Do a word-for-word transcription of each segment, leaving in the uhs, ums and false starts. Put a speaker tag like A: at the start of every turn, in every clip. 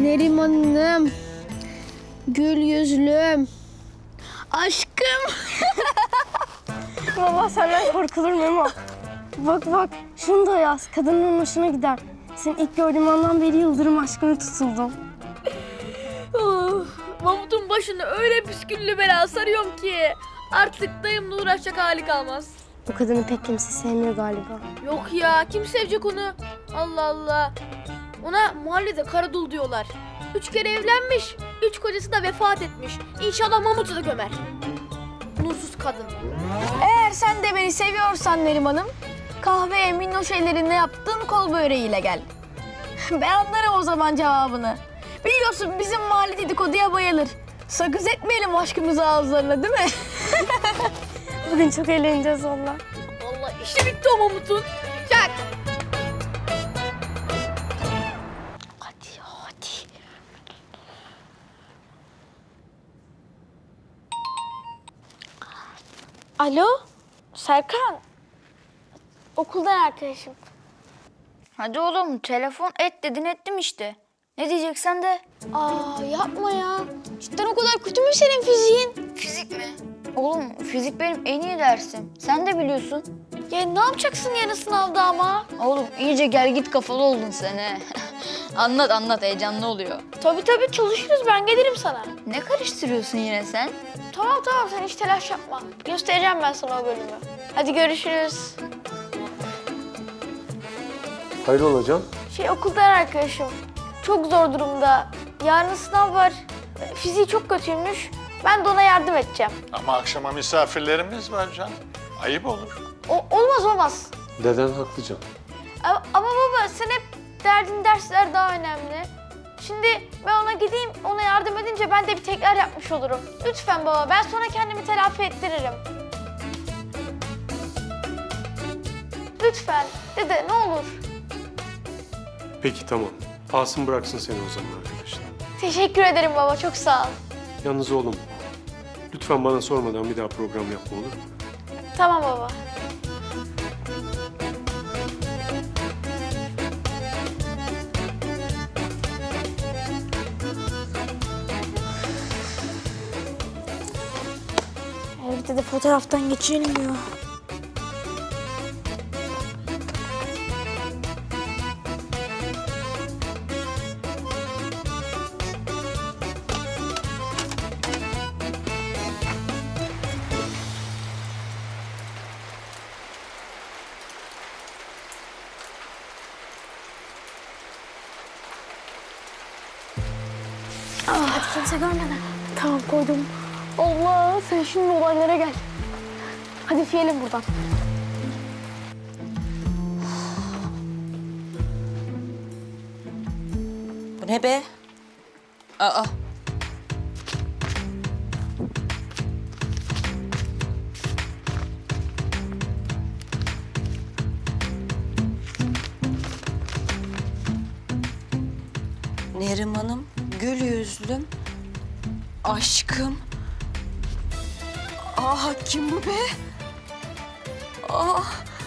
A: Neriman'ım, gül yüzlüm, aşkım.
B: Baba senden korkulur mu Memo? Bak bak şunu da yaz. Kadının hoşuna gider. Seni ilk gördüğüm andan beri yıldırım aşkına tutuldum.
A: Of, Mahmut'un başını öyle püsküllü bela sarıyorum ki artık dayımla uğraşacak hali kalmaz.
B: Bu kadını pek kimse sevmiyor galiba.
A: Yok ya, kim sevecek onu? Allah Allah. Ona mahallede karadul diyorlar. Üç kere evlenmiş, üç kocası da vefat etmiş. İnşallah Mahmut'u da gömer. Nursuz kadın. Eğer sen de beni seviyorsan Neriman'ım, kahveye minnoş ellerinde yaptığın kol böreğiyle gel. Ben anlarım o zaman cevabını. Biliyorsun bizim mahalle dedikoduya bayılır. Sakız etmeyelim aşkımızı ağızlarına, değil mi?
B: Bugün çok eğleneceğiz valla.
A: Vallahi işi bitti o Mahmut'un. Çak. Hadi ya, hadi.
B: Alo Serkan. Okuldan arkadaşım.
C: Hadi oğlum telefon et dedin ettim işte. Ne diyeceksen de.
A: Aa yapma ya. Cidden o kadar kötü mü senin fiziğin?
C: Fizik mi? Oğlum fizik benim en iyi dersim. Sen de biliyorsun.
A: Ya ne yapacaksın yarın sınavda ama?
C: Oğlum iyice gel git kafalı oldun sen he. Anlat anlat heyecanlı oluyor.
A: Tabii tabii çalışırız, ben gelirim sana.
C: Ne karıştırıyorsun yine sen?
A: Tamam tamam, sen hiç telaş yapma. Göstereceğim ben sana o bölümü. Hadi görüşürüz.
D: Hayrola hocam?
A: Şey okuldan arkadaşım. Çok zor durumda. Yarın sınav var. Fiziği çok kötüymüş. Ben de ona yardım edeceğim.
E: Ama akşama misafirlerimiz var canım. Ayıp olur.
A: O, olmaz olmaz.
D: Deden haklı canım.
A: Ama, ama baba sen hep derdin dersler daha önemli. Şimdi ben ona gideyim, ona yardım edince ben de bir tekrar yapmış olurum. Lütfen baba, ben sonra kendimi telafi ettiririm. Lütfen dede, ne olur.
D: Peki tamam. Asım bıraksın seni o zaman arkadaşlar.
A: Teşekkür ederim baba, çok sağ ol.
D: Yalnız oğlum, lütfen bana sormadan bir daha program yapma olur mu?
A: Tamam baba.
B: Evde de fotoğraftan geçirelim ya. Hadi kimse görmeden.
A: Tamam, koydum. Allah, sen şimdi olaylara gel. Hadi fiyelim buradan.
F: Bu ne be? Aa. Neriman'ım, gül yüzlüm, aşkım. Aa, kim bu be? Aa.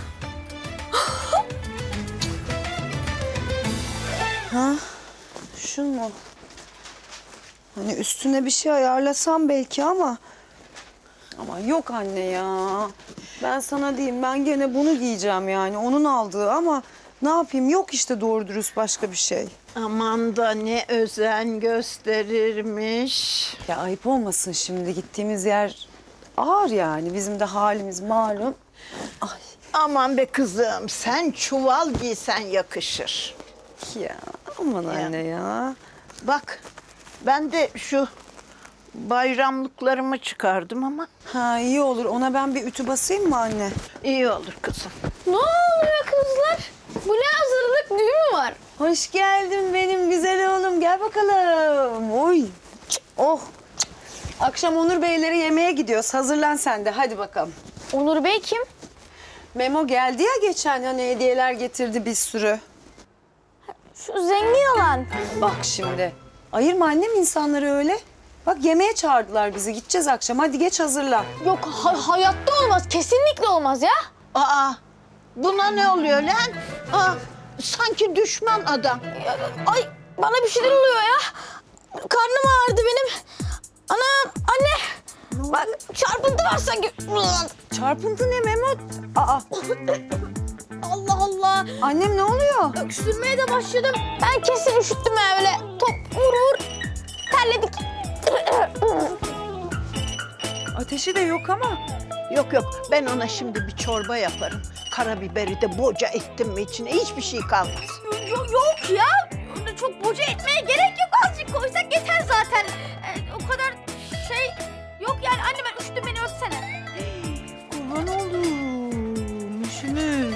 G: Ha? Şun mu? Hani üstüne bir şey ayarlasam belki ama... Ama yok anne ya. Ben sana diyeyim, ben gene bunu giyeceğim yani. Onun aldığı ama ne yapayım? Yok işte doğru dürüst başka bir şey.
H: Aman da ne özen gösterirmiş.
G: Ya ayıp olmasın şimdi. Gittiğimiz yer ağır yani. Bizim de halimiz malum. Ay
H: Aman be kızım, sen çuval giysen yakışır.
G: ya aman anne ya.
H: Bak, ben de şu bayramlıklarımı çıkardım ama
G: Ha iyi olur. Ona ben bir ütü basayım mı anne?
H: iyi olur kızım.
A: Ne oluyor kızlar? Bu ne hazırlık, düğün mü var?
G: Hoş geldin benim güzel oğlum. Gel bakalım. Oy. Oh. Akşam Onur Beylere yemeğe gidiyoruz. Hazırlan sen de. Hadi bakalım.
A: Onur Bey kim?
G: Memo geldi ya geçen, hani hediyeler getirdi bir sürü.
A: Şu zengin olan.
G: Bak şimdi. Ayırma annem insanları öyle. Bak yemeğe çağırdılar bizi. Gideceğiz akşam. Hadi geç hazırlan.
A: Yok, ha- hayatta olmaz. Kesinlikle olmaz ya.
H: Aa, buna ne oluyor lan? Aa, sanki düşman adam.
A: Ay,
F: bana bir şeyler oluyor ya. Karnım ağrıdı benim. Ana, anne. Bak çarpıntı var sanki.
G: Çarpıntı ne Mehmet? Aa,
A: Allah Allah.
G: annem ne oluyor?
A: Öksürmeye de başladım.
F: Ben kesin üşüttüm ya öyle. Top vur vur. Terledik.
G: Ateşi de yok ama.
H: Yok yok, ben ona şimdi bir çorba yaparım. Karabiberi de boca ettim mi içine hiçbir şey kalmaz.
A: Yok, yok ya. Öyle çok boca etmeye gerek yok. Azıcık koysak yeter zaten. Ee, o kadar şey yok yani. Anne ben üşüdüm, beni örtsene.
G: Kurban oldum. Üşümüş.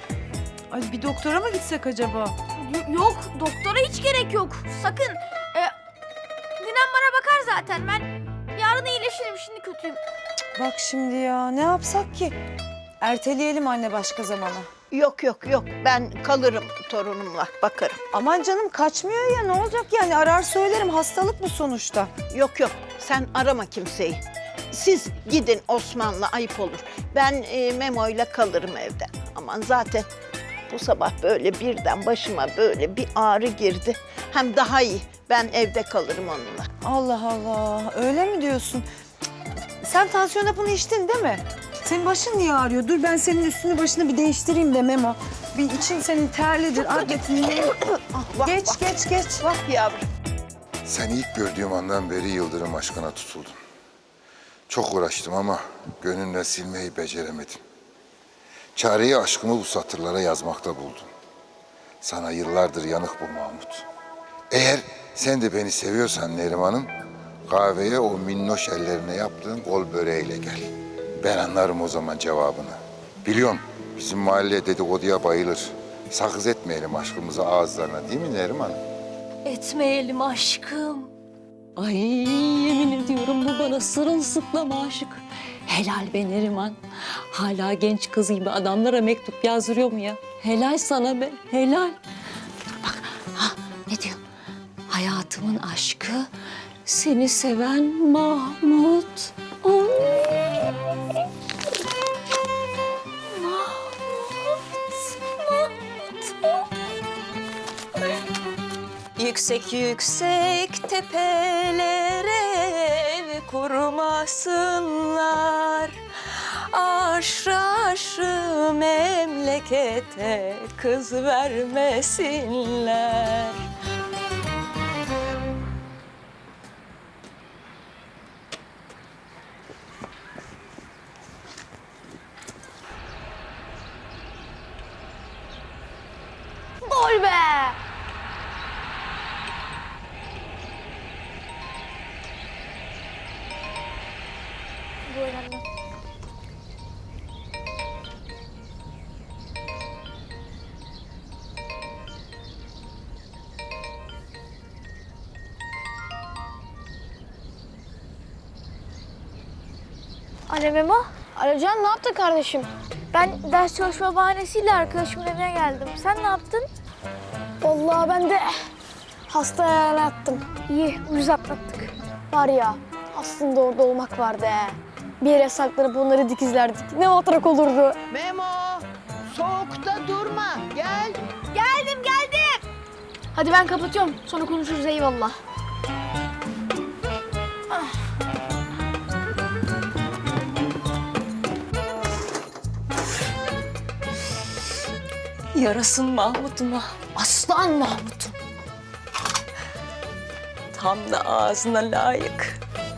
G: Ay bir doktora mı gitsek acaba?
A: Y- yok doktora hiç gerek yok. Sakın. Ee, Dinem bana bakar zaten. Ben yarın iyileşirim, şimdi kötüyüm.
G: Bak şimdi ya ne yapsak ki? Erteleyelim anne başka zamana.
H: Yok yok yok, ben kalırım torunumla, bakarım.
G: Aman canım kaçmıyor ya ne olacak yani arar söylerim hastalık bu sonuçta.
H: Yok yok, sen arama kimseyi. Siz gidin Osman'la, ayıp olur. Ben e, Memo'yla kalırım evde. Aman zaten bu sabah böyle birden başıma böyle bir ağrı girdi. Hem daha iyi, ben evde kalırım onunla.
G: Allah Allah öyle mi diyorsun? Cık, sen tansiyon hapını içtin değil mi? Senin başın niye ağrıyor? Dur ben senin üstünü başını bir değiştireyim de Memo. Bir için senin terlidir, adletin.
H: Vah,
G: Geç
H: vah,
G: geç geç.
H: vah yavrum.
I: Seni ilk gördüğüm andan beri Yıldırım aşkına tutuldum. Çok uğraştım ama gönlümle silmeyi beceremedim. Çareyi aşkımı bu satırlara yazmakta buldum. Sana yıllardır yanık bu Mahmut. Eğer sen de beni seviyorsan Neriman'ım, kahveye o minnoş ellerine yaptığın kol böreğiyle gel. Ben anlarım o zaman cevabını. Biliyorum bizim mahalle dedikoduya bayılır. Sakız etmeyelim aşkımızı ağızlarına değil mi Neriman?
F: Etmeyelim aşkım. Ay yemin ediyorum bu bana sırılsıklam aşık. Helal be Neriman. Hala genç kız gibi adamlara mektup yazdırıyor mu ya? Helal sana be, helal. Dur bak, ha ne diyor? Hayatımın aşkı, seni seven Mahmut. Ay. Yüksek yüksek tepelere ev kurmasınlar. Aşrı aşrı memlekete kız vermesinler.
A: Gol be! Gol anne. Alo Memo. Alo Can, ne yaptın kardeşim? Ben ders çalışma bahanesiyle arkadaşımın evine geldim. Sen ne yaptın? Vallahi ben de hastaya yattım. İyi, ucuz atlattık. Var ya, aslında orada olmak vardı he. Bir yere saklanıp onları dikizlerdik. Ne matrak olurdu.
H: Memo, soğukta durma, gel.
A: Geldim, geldim. Hadi ben kapatıyorum. Sonra konuşuruz, eyvallah.
F: Yarasın Mahmut'uma, aslan Mahmut'um. Tam da ağzına layık.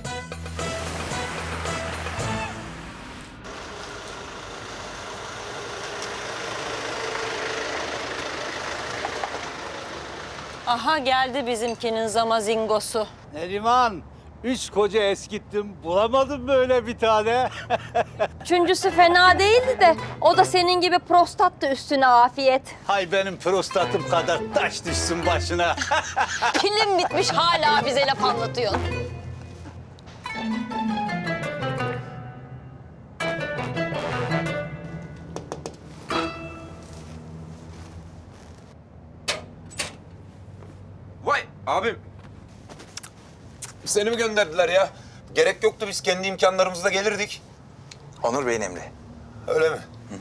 F: Aha geldi bizimkinin zamazingosu.
J: Neriman, üç koca eskittim. Bulamadım böyle bir tane.
F: Üçüncüsü fena değildi de o da senin gibi prostattı üstüne afiyet.
J: Hay benim prostatım kadar taş düşsün başına.
F: Pilim bitmiş hala bize laf anlatıyorsun.
K: Vay abim. Seni mi gönderdiler ya? Gerek yoktu, biz kendi imkanlarımızla gelirdik.
I: Onur Bey'in emri.
K: Öyle mi? Hı hı.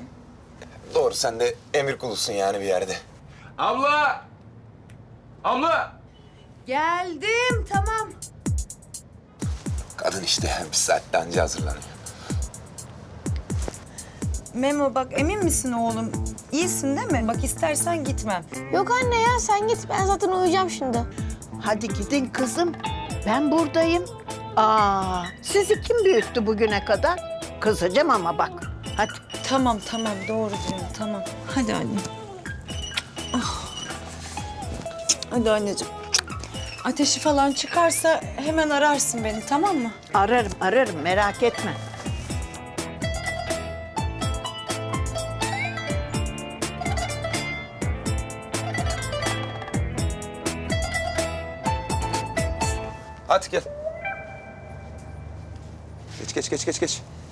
K: Doğru, sen de emir kulusun yani bir yerde. Abla! Abla!
G: Geldim, tamam.
K: Kadın işte bir saatte anca hazırlanıyor.
G: Memo bak emin misin oğlum? İyisin değil mi? Bak istersen gitmem.
B: Yok anne ya sen git. Ben zaten uyuyacağım şimdi.
H: Hadi gidin kızım. Ben buradayım. Aa, sizi kim büyüttü bugüne kadar? Kızacağım ama bak. Hadi.
G: Tamam tamam doğru diyorsun tamam. Hadi anne. Ah. Hadi anneciğim. Ateşi falan çıkarsa hemen ararsın beni tamam mı?
H: Ararım, ararım. Merak etme.
K: Hadi gel. Geç geç geç geç geç.